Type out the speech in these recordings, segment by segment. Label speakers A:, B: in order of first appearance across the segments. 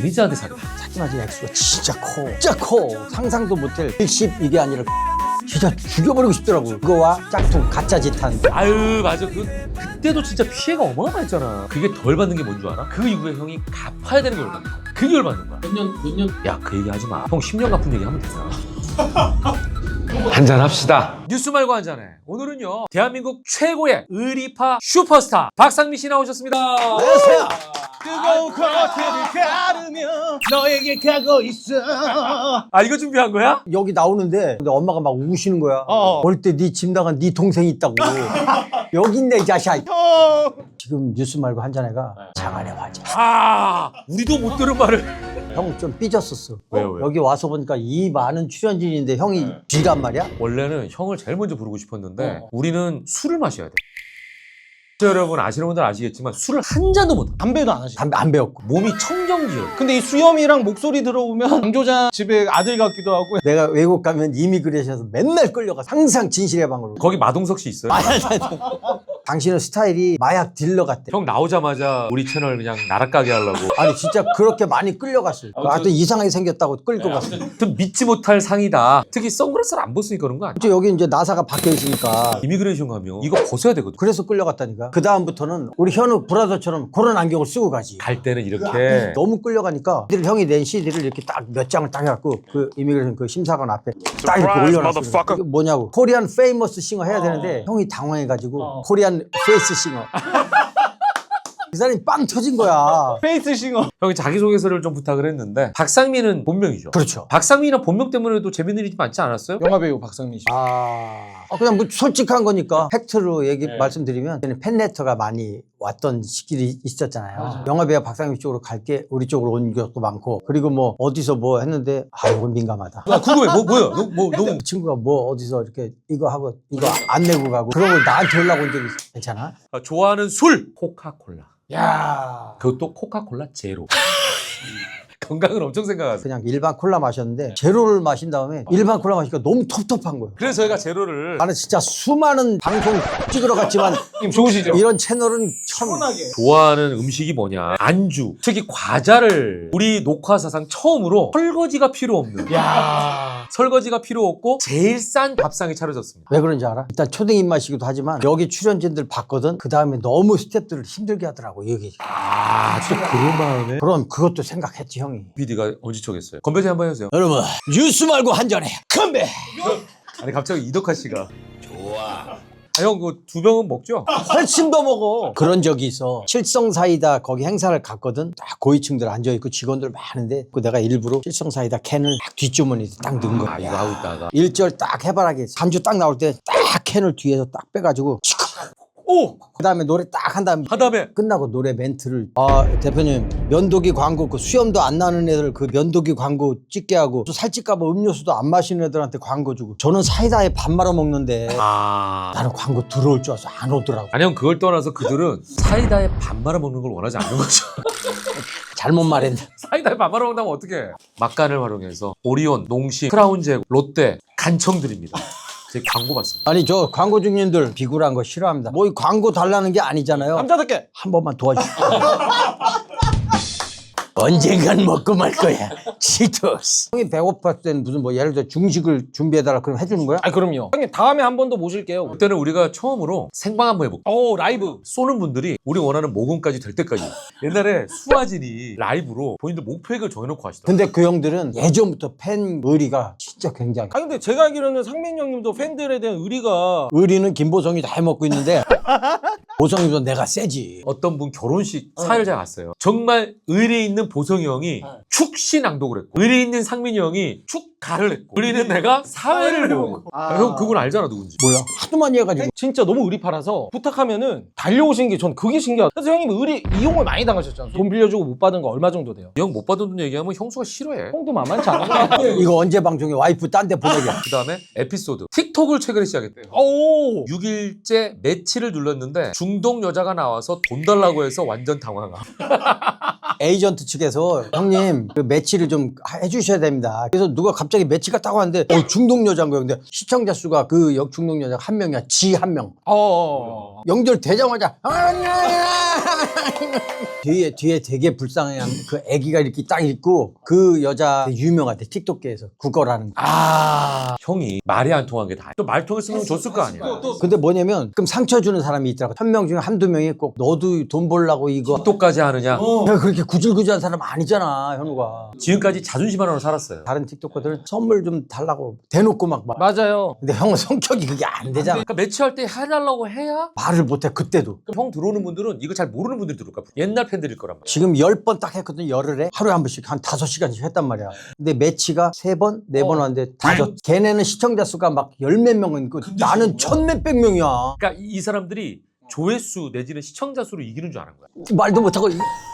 A: 매니저한테 사귀어.
B: 하지만 액수가 진짜 커. 진짜 커. 상상도 못할 110 이게 아니라 진짜 죽여버리고 싶더라고. 그거와 짝퉁 가짜 짓한.
A: 아유 맞아 그때도 진짜 피해가 어마어마했잖아. 그게 덜 받는 게 뭔 줄 알아? 그 이후에 형이 갚아야 되는 게 얼마나 그게 열받는 거야. 몇 년? 야 그 얘기 하지 마. 형 10년 갚은 얘기 하면 되잖아. 한잔 합시다. 뉴스 말고 한잔해. 오늘은요 대한민국 최고의 의리파 슈퍼스타 박상민 씨 나오셨습니다.
B: 안녕하세요.
C: 뜨거운 커튼을 가르며 너에게 가고 있어.
A: 아 이거 준비한 거야?
B: 여기 나오는데 근데 엄마가 막 우시는 거야. 어릴 때 네 집 나간 네 동생이 있다고. 여기 있네 이 자식아. 지금 뉴스 말고 한잔해가 장안의 화제.
A: 아 우리도 못 들은 말을.
B: 형 좀 삐졌었어.
A: 왜요?
B: 여기 와서 보니까 이 많은 출연진인데 형이 쥐란 말이야?
A: 원래는 형을 제일 먼저 부르고 싶었는데 우리는 술을 마셔야 돼. 여러분 아시는 분들 아시겠지만 술을 한 잔도 못.
C: 담배도 안 하시죠?
B: 담배 안 배웠고.
A: 몸이 청정지역.
C: 근데 이 수염이랑 목소리 들어보면 강조장 집에 아들 같기도 하고.
B: 내가 외국 가면 이미그레이션에서 맨날 끌려가. 항상 진실의 방으로.
A: 거기 마동석 씨 있어요?
B: 당신은 스타일이 마약 딜러 같대.
A: 형 나오자마자 우리 채널 그냥 나락가게 하려고.
B: 아니 진짜 그렇게 많이 끌려갔어요. 하여튼 이상하게 생겼다고 끌고 갔어.
A: 좀 믿지 못할 상이다. 특히 선글라스를 안 벗으니까 그런 거 아니야?
B: 여기 이제 나사가 박혀 있으니까
A: 이미그레이션 가면 이거 벗어야 되거든.
B: 그래서 끌려갔다니까. 그 다음부터는 우리 현우 브라더처럼 그런 안경을 쓰고 가지.
A: 갈 때는 이렇게
B: 너무 끌려가니까 형이 낸 CD를 이렇게 딱 몇 장을 딱 해갖고 그 이미그레이션 그 심사관 앞에 딱 이렇게 올려놨어. 이게 뭐냐고. 코리안 페이머스 싱어 해야 되는데 형이 당황해가지고 코리안 페이스 싱어. 그 사람이 빵 터진 거야.
C: 페이스 싱어.
A: 형이 자기소개서를 좀 부탁을 했는데 박상민은 본명이죠.
B: 그렇죠.
A: 박상민이나 본명 때문에도 재밌는 일이 많지 않았어요?
C: 영화배우 박상민 씨.
B: 그냥 뭐 솔직한 거니까 팩트로 말씀드리면 팬레터가 많이 왔던 시기이 있었잖아요. 영화배우 박상민 쪽으로 갈게 우리 쪽으로 온 것도 많고 그리고 뭐 어디서 뭐 했는데 이건 민감하다.
A: 아, 궁금해. 뭐야? 너무
B: 그 친구가 뭐 어디서 이렇게 이거 하고 이거 안 내고 가고 그러고 나한테 연락 온 적이 있어. 괜찮아?
A: 좋아하는 술 코카콜라.
C: 야.
A: 그것도 코카콜라 제로. 건강을 엄청 생각하세요.
B: 그냥 일반 콜라 마셨는데 제로를 마신 다음에 일반 콜라 마시니까 너무 텁텁한 거예요.
A: 그래서 저희가 제로를
B: 나는 진짜 수많은 방송 찍으러 갔지만
C: 님 좋으시죠?
B: 이런 채널은 처음.
C: 시원하게.
A: 좋아하는 음식이 뭐냐? 안주. 특히 과자를 우리 녹화 사상 처음으로 설거지가 필요 없는.
C: 야.
A: 설거지가 필요 없고 제일 싼 밥상이 차려졌습니다.
B: 왜 그런지 알아? 일단 초딩 입맛이기도 하지만 여기 출연진들 봤거든. 그 다음에 너무 스태프들을 힘들게 하더라고 여기.
A: 또 그런 마음에
B: 그럼 그것도 생각했지 형이.
A: PD가 엄지척했어요. 건배제 한번 해주세요.
B: 여러분 뉴스 말고 한 잔해. 건배.
A: 아니 갑자기 이덕화 씨가 좋아. 형 그 두 병은 먹죠?
B: 훨씬 더 먹어. 그런 적이 있어. 칠성사이다 거기 행사를 갔거든. 딱 고위층들 앉아있고 직원들 많은데 그 내가 일부러 칠성사이다 캔을 딱 뒷주머니에 딱 넣은 거야.
A: 이거 하고 있다가
B: 1절 딱 해바라기 3주 딱 나올 때 딱 캔을 뒤에서 딱 빼가지고
A: 오!
B: 그 다음에 노래 딱 한 다음에
A: 한 다음에
B: 끝나고 노래 멘트를 대표님 면도기 광고 그 수염도 안 나는 애들 그 면도기 광고 찍게 하고 또 살찔까봐 음료수도 안 마시는 애들한테 광고 주고 저는 사이다에 밥 말아 먹는데 나는 광고 들어올 줄 알아서 안 오더라고.
A: 아니 형 그걸 떠나서 그들은 사이다에 밥 말아 먹는 걸 원하지 않는 거죠.
B: 잘못 말했네.
A: 사이다에 밥 말아 먹는다면 어떡해. 막간을 활용해서 오리온, 농심, 크라운제고, 롯데 간청 드립니다. 제 광고 받습니다.
B: 아니 저 광고 중님들 비굴한 거 싫어합니다. 뭐 이 광고 달라는 게 아니잖아요.
C: 남자답게.
B: 한 번만 도와주세요. 언젠간 먹고 말 거야. 치토스. 형이 배고팠을 때는 무슨 뭐 예를 들어 중식을 준비해달라 그럼 해주는 거야?
C: 아 그럼요. 형님 다음에 한 번 더 모실게요.
A: 그때는 우리가 처음으로 생방 한번 해볼게요.
C: 오 라이브.
A: 쏘는 분들이 우리 원하는 모금까지 될 때까지. 옛날에 수아진이 라이브로 본인들 목표액을 정해놓고 하시더라고요.
B: 근데 그 형들은 예전부터 팬 의리가 진짜 굉장히.
C: 아 근데 제가 알기로는 상민 형님도 팬들에 대한 의리가.
B: 의리는 김보성이 다 해먹고 있는데 보성이도 내가 세지.
A: 어떤 분 결혼식 사회를 갔어요. 정말 의리 있는 보성이 형이 축시 낭독을 했고 의리 있는 상민이 형이 축가를 했고 의리 있는 내가 사회를 보고 형 그건 알잖아 누군지.
B: 뭐야? 하도 많이 해가지고.
C: 진짜 너무 의리파라서 부탁하면은 달려오신 게 전 그게 신기하다. 그래서 형님 의리 이용을 많이 당하셨잖아요. 돈 빌려주고 못 받은 거 얼마 정도 돼요?
A: 이 형 못 받은 돈 얘기하면 형수가 싫어해.
C: 형도 만만치 않은 거.
B: 이거 언제 방송에 와이프 딴 데 보내게.
A: 그 다음에 에피소드 틱톡을 최근에 시작했대요.
C: 오.
A: 6일째 매치를 눌렀는데 중동 여자가 나와서 돈 달라고 해서 완전 당황함.
B: 에이전트 측에서 형님 그 매치를 좀 해주셔야 됩니다. 그래서 누가 갑자기 매치가 따고 하는데 중동 여자인 거예요. 근데 시청자 수가 그 중동 여자가 한 명이야. 지 한 명. 연결 되자마자 뒤에 되게 불쌍한 그 애기가 이렇게 딱 있고 그 여자 되게 유명하대 틱톡계에서 국어라는 거.
A: 형이 말이 안 통한 게 다. 또 말 통했으면 줬을 거 아니야.
B: 근데 뭐냐면 그럼 상처 주는 사람이 있더라고. 1000명 중에 한두 명이 꼭 너도 돈 벌라고 이거
A: 틱톡까지 하느냐.
B: 야, 그렇게 구질구질한 사람 아니잖아 현우가.
A: 지금까지 자존심 하나로 살았어요.
B: 다른 틱톡커들은 선물 좀 달라고 대놓고 막
C: 맞아요.
B: 근데 형은 성격이 그게 안 되잖아.
A: 그러니까 매치할 때 해달라고 해야
B: 말을 못해 그때도.
A: 형 들어오는 분들은 이거 잘 모르는 분들이 들어올 거야. 옛날 팬들일 거란 말이야.
B: 지금 10번 딱 했거든. 열흘에 하루에 한 번씩 한 5시간씩 했단 말이야. 근데 매치가 3번 4번 왔는데 5. 걔네는 시청자 수가 막 10몇 명은 있고 나는 1000몇백 명이야.
A: 그러니까 이 사람들이 조회수 내지는 시청자 수로 이기는 줄 아는 거야.
B: 말도 못하고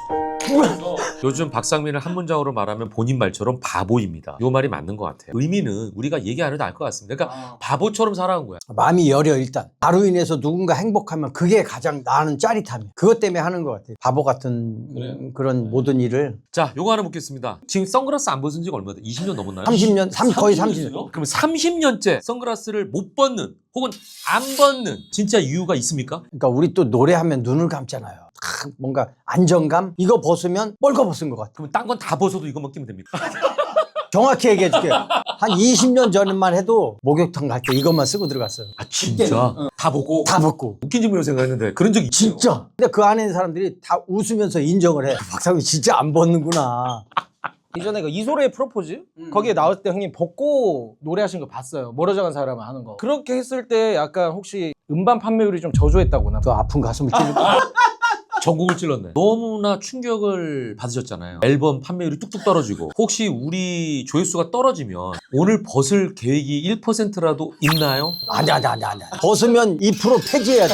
A: 요즘 박상민을 한 문장으로 말하면 본인 말처럼 바보입니다. 이 말이 맞는 것 같아요. 의미는 우리가 얘기 안 해도 알 것 같습니다. 그러니까 바보처럼 살아온 거야.
B: 마음이 여려 일단. 나로 인해서 누군가 행복하면 그게 가장 나는 짜릿함이야. 그것 때문에 하는 것 같아. 바보 같은 그런 모든 일을.
A: 자, 요거 하나 묻겠습니다. 지금 선글라스 안 벗은 지가 얼마 돼? 20년 넘었나요?
B: 30년, 거의 30년.
A: 그럼 30년째 선글라스를 못 벗는 혹은 안 벗는 진짜 이유가 있습니까?
B: 그러니까 우리 또 노래하면 눈을 감잖아요. 뭔가 안정감? 이거 벗으면 뻘거벗은 것 같아.
A: 그럼 딴 건 다 벗어도 이것만 끼면 됩니까?
B: 정확히 얘기해 줄게. 한 20년 전만 해도 목욕탕 갈 때 이것만 쓰고 들어갔어요.
A: 아 진짜? 다 벗고?
B: 다 벗고.
A: 웃긴 질문을 생각했는데 그런 적이 있어요.
B: 진짜. 근데 그 안에 있는 사람들이 다 웃으면서 인정을 해. 박상민 진짜 안 벗는구나.
C: 이전에 그 이소래의 프로포즈 거기에 나올 때 형님 벗고 노래하신 거 봤어요. 멀어져간 사람 하는 거. 그렇게 했을 때 약간 혹시 음반 판매율이 좀 저조했다거나.
B: 그 아픈 가슴을 찌르고.
A: 전국을 찔렀네. 너무나 충격을 받으셨잖아요. 앨범 판매율이 뚝뚝 떨어지고 혹시 우리 조회수가 떨어지면 오늘 벗을 계획이 1%라도 있나요?
B: 아니. 벗으면 2% 폐지해야 돼.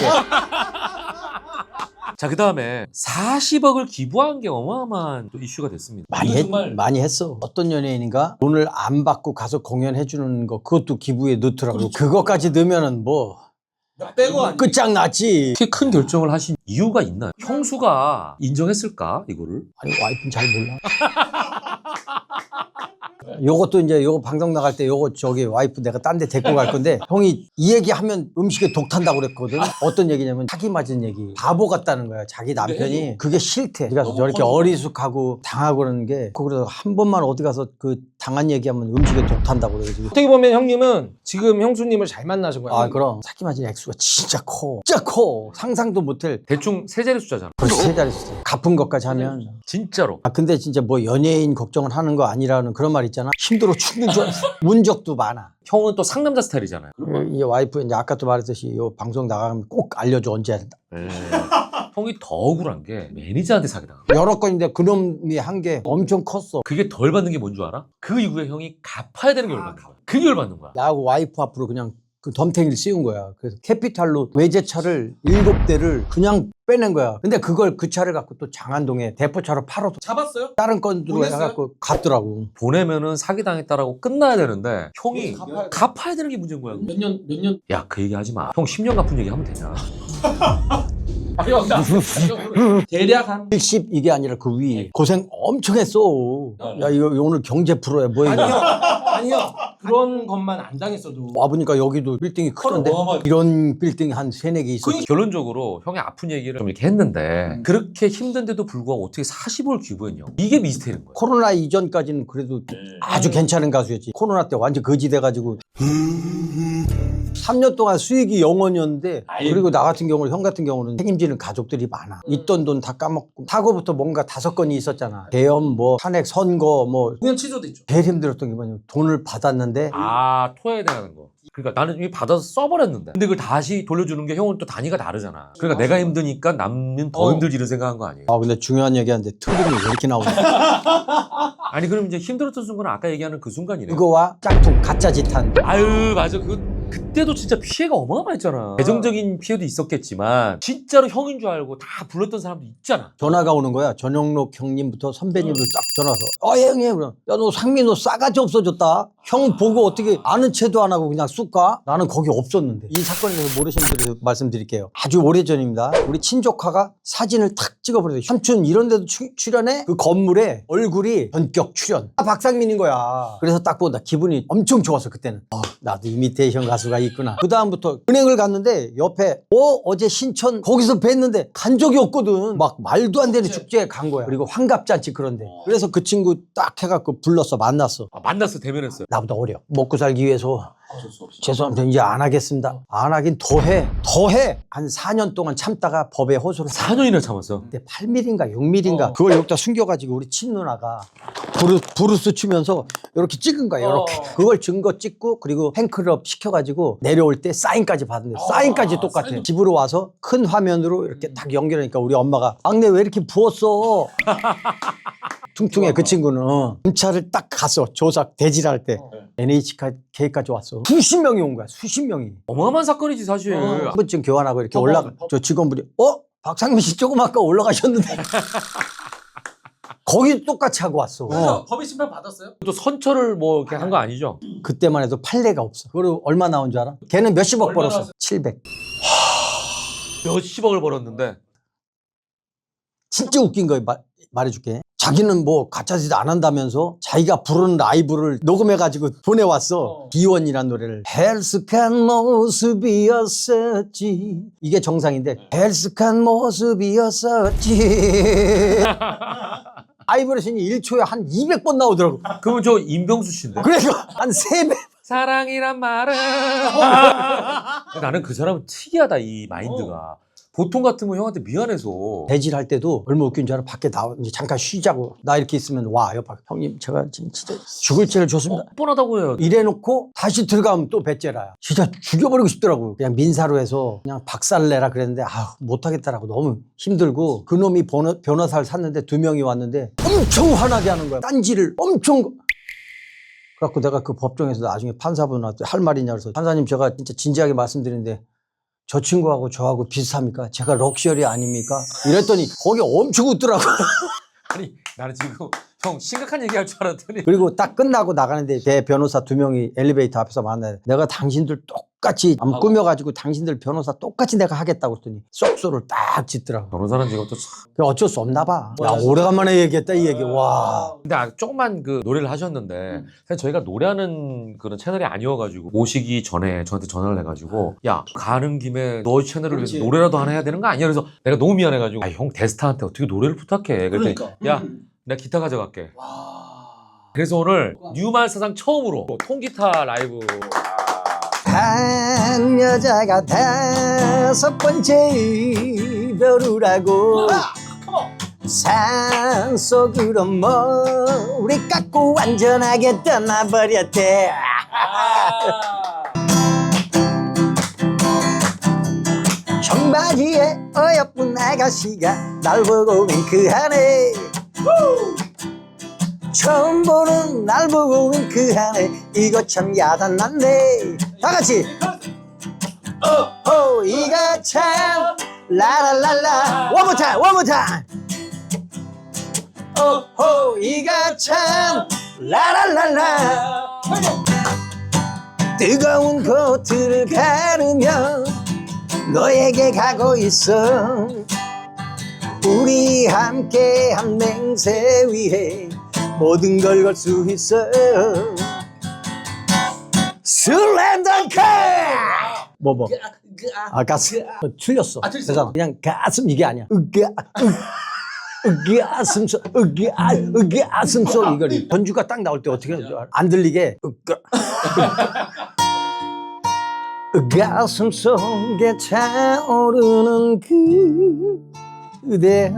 A: 자, 그 다음에 40억을 기부한 게 어마어마한 또 이슈가 됐습니다.
B: 많이 했어. 어떤 연예인인가 돈을 안 받고 가서 공연해 주는 거 그것도 기부에 넣더라고. 그것까지 넣으면은 뭐 끝장났지.
A: 이렇게 큰 결정을 하신 이유가 있나요? 형수가 인정했을까 이거를?
B: 아니 와이프는 잘 몰라. 요것도 이제 요거 방송 나갈 때 요거 저기 와이프 내가 딴 데 데리고 갈 건데 형이 이 얘기하면 음식에 독 탄다고 그랬거든. 어떤 얘기냐면 사기 맞은 얘기. 바보 같다는 거야. 자기 남편이 그게 싫대. 그래서 저렇게 어리숙하고 당하고 그러는 게 그래서 한 번만 어디 가서 그 당한 얘기하면 음식에 독 탄다고 그래가지고.
C: 어떻게 보면 형님은 지금 형수님을 잘 만나신 거예요.
B: 아 그럼 사기 맞은 액수가 진짜 커. 진짜 커. 상상도 못할.
A: 대충 세 자리 숫자잖아.
B: 벌써 세 자리 숫자. 갚은 것까지 하면.
A: 진짜로.
B: 아 근데 진짜 뭐 연예인 걱정을 하는 거 아니라는 그런 말 있잖아. 힘들어 죽는 줄 알았어. 운 적도 많아.
A: 형은 또 상남자 스타일이잖아요.
B: 이 와이프 이제 아까도 말했듯이 요 방송 나가면 꼭 알려줘 언제 한다.
A: 형이 더 억울한 게 매니저한테 사기당한
B: 여러 건인데 그놈이 한 게 엄청 컸어.
A: 그게 덜 받는 게 뭔 줄 알아? 그 이후에 형이 갚아야 되는 게 얼마나 갚아. 그게 열받는 거야.
B: 나하고 와이프 앞으로 그냥 그 덤탱이를 씌운 거야. 그래서 캐피탈로 외제차를 7대를 그냥 빼낸 거야. 근데 그걸 그 차를 갖고 또 장안동에 대포차로 팔아도
C: 잡았어요?
B: 다른 건으로 해갖고 갔더라고.
A: 보내면은 사기당했다라고 끝나야 되는데 형이 갚아야 되는 게 문제인 거야.
C: 몇 년?
A: 야, 그 얘기 하지 마. 형 10년 갚은 얘기 하면 되냐?
C: 대략 한
B: 70 이게 아니라 그 위. 고생 엄청 했어. 야 이거 오늘 경제 프로야 뭐야 이거.
C: 아니요. 그런 것만 안 당했어도
B: 와보니까 여기도 빌딩이 크던데 이런 빌딩이 한 3-4개 있었지.
A: 결론적으로 형의 아픈 얘기를 좀 이렇게 했는데 그렇게 힘든데도 불구하고 어떻게 40을 기부했냐. 이게 미스테리인 거야.
B: 코로나 이전까지는 그래도 아주 괜찮은 가수였지. 코로나 때 완전 거지 돼가지고 3년 동안 수익이 0원이었는데 그리고 나 같은 경우는 형 같은 경우는 책임지는 가족들이 많아. 있던 돈 다 까먹고 사고부터 뭔가 5건이 있었잖아. 계엄 뭐 탄핵 선거 뭐
C: 공연 취소도 있죠.
B: 제일 힘들었던 게 뭐냐면 돈을 받았는데
A: 아, 토해야 되는 거. 그러니까 나는 이미 받아서 써버렸는데 근데 그걸 다시 돌려주는 게 형은 또 단위가 다르잖아. 그러니까 내가 힘드니까 남는 더 힘들지 이런 생각한 거 아니에요?
B: 아 근데 중요한 얘기하는데 트림이 왜 이렇게 나오냐.
A: 아니 그럼 이제 힘들었던 순간은 아까 얘기하는 그 순간이네.
B: 그거와 짝퉁 가짜 짓한
A: 아유 맞아. 그때도 진짜 피해가 어마어마했잖아. 재정적인 피해도 있었겠지만 진짜로 형인 줄 알고 다 불렀던 사람도 있잖아.
B: 전화가 오는 거야. 전영록 형님부터 선배님들 딱 전화 와서 형님 야 너 상민 너 싸가지 없어졌다. 형 보고 어떻게 아는 체도 안 하고 그냥 쑥 가? 나는 거기 없었는데. 이 사건에 대해서 모르시는 분들 말씀드릴게요. 아주 오래전입니다. 우리 친조카가 사진을 탁 찍어버려서 삼촌 이런 데도 출연해? 그 건물에 얼굴이 전격 출연. 박상민인 거야. 그래서 딱 보다 기분이 엄청 좋았어 그때는. 나도 이미테이션 가수가 있구나. 그 다음부터 은행을 갔는데 옆에 어제 신천 거기서 뵀는데 간 적이 없거든. 막 말도 안 되는 축제에 간 거야. 그리고 환갑잔치 그런데. 그래서 그 친구 딱 해갖고 불렀어 만났어.
A: 만났어 대면했어요.
B: 나보다 어려. 먹고 살기 위해서 죄송합니다. 이제 안 하겠습니다. 안 하긴 더 해. 한 4년 동안 참다가 법에 호소를
A: 4년이나 참았어.
B: 그때 8mm인가 6mm인가 그걸 여기다 숨겨가지고 우리 친누나가 브루스 추면서 이렇게 찍은 거야. 이렇게. 그걸 증거 찍고 그리고 팬클럽 시켜가지고 내려올 때 사인까지 받은데 사인까지 똑같아. 집으로 와서 큰 화면으로 이렇게 딱 연결하니까 우리 엄마가 막내 왜 이렇게 부었어? 퉁퉁해 그 친구는. 검찰을 딱 갔어. 조사 대질할 때 NHK까지 왔어. 수십 명이 온 거야. 수십 명이.
A: 어마어마한 사건이지 사실.
B: 한 번쯤 교환하고 이렇게 올라가. 저 직원분이 박상민 씨 조금 아까 올라가셨는데. 거기 똑같이 하고 왔어.
C: 그래서 법의 심판 받았어요?
A: 또 선처를 뭐 이렇게 한 거 아니죠?
B: 그때만 해도 판례가 없어. 그걸 얼마 나온 줄 알아? 걔는 몇십억 벌었어. 700.
A: 몇십억을 벌었는데.
B: 진짜 웃긴 거 말해줄게. 자기는 뭐 가짜짓 안 한다면서 자기가 부르는 라이브를 녹음해가지고 보내왔어. 비원이라는 노래를. 헬스한 모습이었었지. 이게 정상인데 헬스한 모습이었었지. 바이브레이션이 1초에 한 200번 나오더라고.
A: 그러면 저 임병수 씨인데.
B: 그래서 한 3배.
A: 사랑이란 말은. 나는 그 사람은 특이하다 이 마인드가. 보통 같으면 형한테 미안해서.
B: 대질할 때도 얼마 웃긴 줄 알아? 밖에 나와 이제 잠깐 쉬자고. 나 이렇게 있으면 와 옆에 형님 제가 진짜 죽을 죄를 줬습니다.
A: 뻔하다고 해요.
B: 이래놓고 다시 들어가면 또 배째라야. 진짜 죽여버리고 싶더라고. 그냥 민사로 해서 그냥 박살내라 그랬는데 못하겠다라고 너무 힘들고 그놈이 변호사를 샀는데 2명이 왔는데 엄청 화나게 하는 거야. 딴지를 엄청. 그래갖고 내가 그 법정에서 나중에 판사분한테 할 말이냐 그래서 판사님 제가 진짜 진지하게 말씀드리는데 저 친구하고 저하고 비슷합니까? 제가 럭셔리 아닙니까? 이랬더니 거기 엄청 웃더라고.
A: 아니 나는 지금 형 심각한 얘기할 줄 알았더니.
B: 그리고 딱 끝나고 나가는데 대 변호사 2명이 엘리베이터 앞에서 만나요. 내가 당신들 똑같이 꾸며가지고 당신들 변호사 똑같이 내가 하겠다고 했더니 쏙소를 딱 짓더라고.
A: 변호사는 지금 또 참.
B: 어쩔 수 없나 봐. 야, 오래간만에 얘기했다 이 얘기. 와.
A: 근데 조금만 그 노래를 하셨는데 사실 저희가 노래하는 그런 채널이 아니어가지고 오시기 전에 저한테 전화를 해가지고 야 가는 김에 너 채널을 위해서 노래라도 하나 해야 되는 거 아니야? 그래서 내가 너무 미안해가지고 형 데스타한테 어떻게 노래를 부탁해? 그랬더니 야 내가 기타 가져갈게. 그래서 오늘 뉴말 사상 처음으로 통기타 라이브.
B: 한 여자가 5번째 이별을 하고 산속으로 머리 깎고 완전하게 떠나버렸대. 청바지에 어여쁜 아가씨가 날 보고 윙크하네. 처음 보는 날 보고 윙크하네. 이거 참 야단났네. 다같이 이거 참 라라라라. One more time, one more time. 이거 참 라라라라. 뜨거운 코트를 가르며 너에게 가고 있어. 우리 함께한 맹세 위에 모든 걸 걸 수 있어. 슬램덩크. 뭐 가슴 틀렸어. 그래서 그냥 가슴 이게 아니야. 가슴소 가슴소 이걸 전주가 딱 나올 때 어떻게 하는 줄 알아? 안 들리게 가슴 속에 차오르는 그대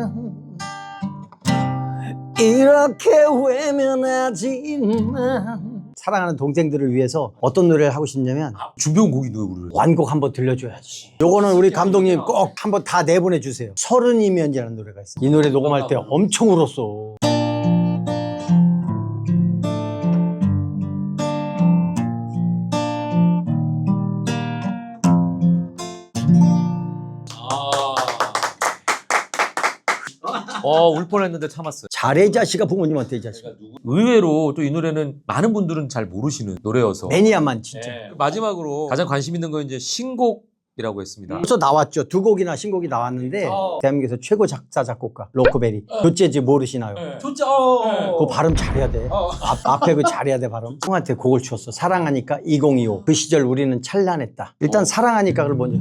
B: 이렇게 외면하지만. 사랑하는 동생들을 위해서 어떤 노래를 하고 싶냐면
A: 준비한 곡이 누구를?
B: 완곡 한번 들려줘야지. 요거는 우리 감독님 꼭 한번 다 내보내 주세요. 30이면이라는 노래가 있어요. 이 노래 녹음할 때 엄청 울었어.
A: 울 뻔했는데 참았어요.
B: 잘해 이 자식아 부모님한테 이 자식아.
A: 의외로 또 이 노래는 많은 분들은 잘 모르시는 노래여서.
B: 매니아만 진짜.
A: 마지막으로 가장 관심 있는 건 이제 신곡이라고 했습니다.
B: 벌써 나왔죠. 2곡이나 신곡이 나왔는데 대한민국에서 최고 작사 작곡가 로코베리. 조재즈 모르시나요?
C: 좋죠.
B: 그 발음 잘해야 돼. 앞에 그 잘해야 돼 발음. 형한테 곡을 줬어. 사랑하니까 2025. 그 시절 우리는 찬란했다. 일단 사랑하니까를 먼저.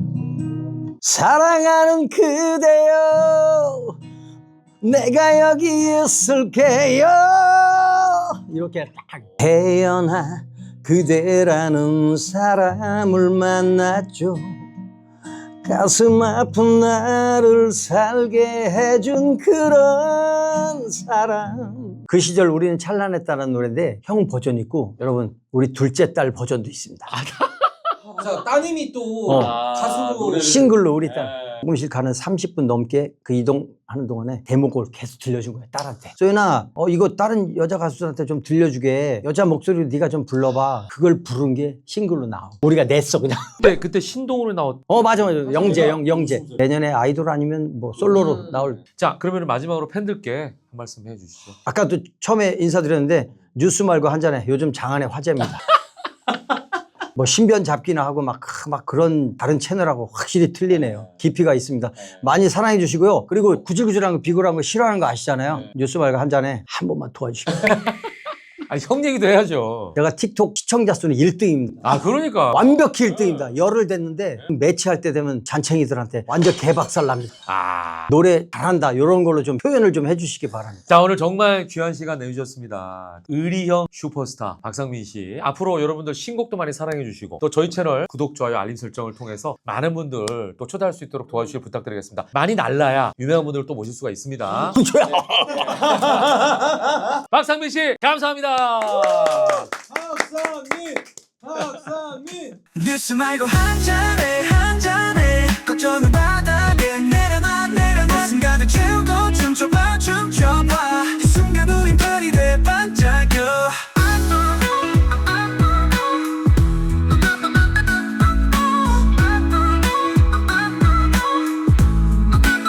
B: 사랑하는 그대여 내가 여기 있을게요. 이렇게 딱. 태어나 그대라는 사람을 만났죠. 가슴 아픈 나를 살게 해준 그런 사람. 그 시절 우리는 찬란했다는 노래인데 형 버전 있고 여러분 우리 둘째 딸 버전도 있습니다.
C: 자, 따님이 또 가수로
B: 싱글로 우리 딸. 녹음실 가는 30분 넘게 그 이동하는 동안에 대목을 계속 들려준 거야 딸한테. 소연아 이거 다른 여자 가수들한테 좀 들려주게. 여자 목소리로 네가 좀 불러봐. 그걸 부른 게 싱글로 나와. 우리가 냈어 그냥.
A: 그때 신동으로 나왔.
B: 맞아. 영재. 내년에 아이돌 아니면 뭐 솔로로 나올.
A: 자, 그러면 마지막으로 팬들께 한 말씀 해주시죠.
B: 아까도 처음에 인사드렸는데 뉴스 말고 한 잔에 요즘 장안의 화제입니다. 뭐 신변 잡기나 하고 막 그런 다른 채널하고 확실히 틀리네요. 깊이가 있습니다. 많이 사랑해 주시고요. 그리고 구질구질한 거 비굴한 거 싫어하는 거 아시잖아요. 뉴스 말고 한 잔에 한 번만 도와주시고.
A: 아니, 형 얘기도 해야죠.
B: 제가 틱톡 시청자 수는 1등입니다.
A: 아, 그러니까.
B: 완벽히 1등입니다. 열흘 됐는데 매치할 때 되면 잔챙이들한테 완전 개박살 납니다. 노래 잘한다 이런 걸로 좀 표현을 좀 해주시기 바랍니다.
A: 자, 오늘 정말 귀한 시간 내주셨습니다. 의리형 슈퍼스타 박상민 씨. 앞으로 여러분들 신곡도 많이 사랑해 주시고 또 저희 채널 구독, 좋아요, 알림 설정을 통해서 많은 분들 또 초대할 수 있도록 도와주시길 부탁드리겠습니다. 많이 날라야 유명한 분들을 또 모실 수가 있습니다. 박상민 씨 감사합니다.
C: 박상민
D: 뉴스 말고 한 잔에 걱정은 바닥에 내려놔 순간을